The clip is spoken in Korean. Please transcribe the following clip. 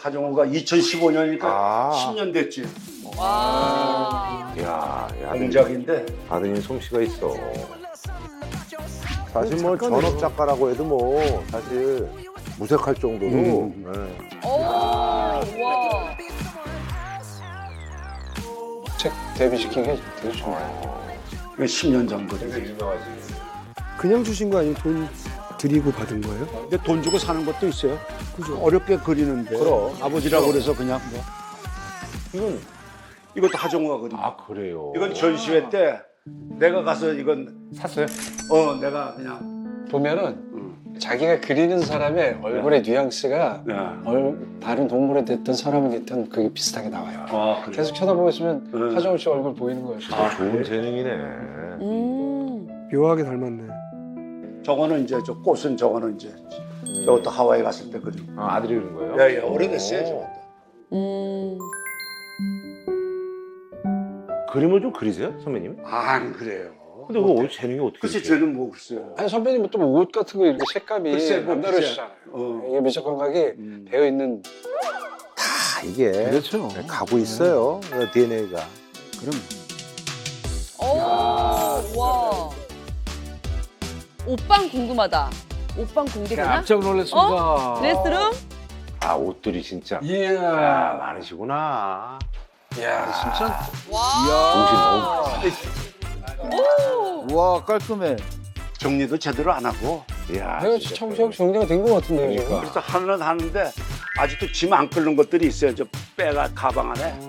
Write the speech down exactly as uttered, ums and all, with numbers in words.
하정우가 이천십오 년이니까 아. 십 년 됐지. 와. 야, 야, 아드님, 공작인데. 아드님 솜씨가 있어. 사실 뭐 작가네요. 전업 작가라고 해도 뭐 사실 무색할 정도로. 음. 네. 오. 와. 책 데뷔시킨 게 되게 좋아요. 십 년 전 거지. 유명하지. 그냥 주신 거 아니면 돈 드리고 받은 거예요? 근데 돈 주고 사는 것도 있어요. 그죠? 어렵게 그리는데. 그럼. 아버지라고 그래서 그냥 뭐. 이건 이것도 하정우가 그린 거. 아 그래요. 이건 전시회 때 내가 가서 이건 샀어요? 어 내가 그냥 보면은 음. 자기가 그리는 사람의 얼굴의 뉘앙스가 네. 얼, 다른 동물에 됐든 사람이 됐든 그게 비슷하게 나와요. 아 그래. 계속 쳐다보고 있으면 네. 하정우 씨 얼굴 보이는 거예요. 아, 좋은 재능이네. 음. 묘하게 닮았네. 저거는 이제 저 꽃은 저거는 이제 저것도 하와이 갔을 때 그린 거. 아, 아들이 그린 거예요? 야, 야, 오래됐어요 오. 저것도. 음. 그림을 좀 그리세요, 선배님? 아, 안 그래요. 근데 그거 재능이 어떻게 글쎄 있어요? 쟤는 뭐 글쎄요. 아니 선배님은 또 옷 같은 거 이렇게 색감이 글쎄, 뭐, 남다르시잖아요. 어. 이게 미적 감각이 음. 배어 있는 다 이게 그렇죠. 네, 가고 있어요, 디엔에이가. 그럼 오. 와. 옷방 궁금하다. 옷방 공개되나? 깜짝 놀랐습니다. 어? 드레스룸? 아, 옷들이 진짜. 아, 이야. 많으시구나. 이야 진짜. 와. 오. 우와 깔끔해. 정리도 제대로 안 하고. 이야, 내가 진짜. 참 정- 정리가 된 것 같은데요. 지금. 그러니까. 그래서 하는 하는데 아직도 짐 안 끓는 것들이 있어요. 저 빼가 가방 안에.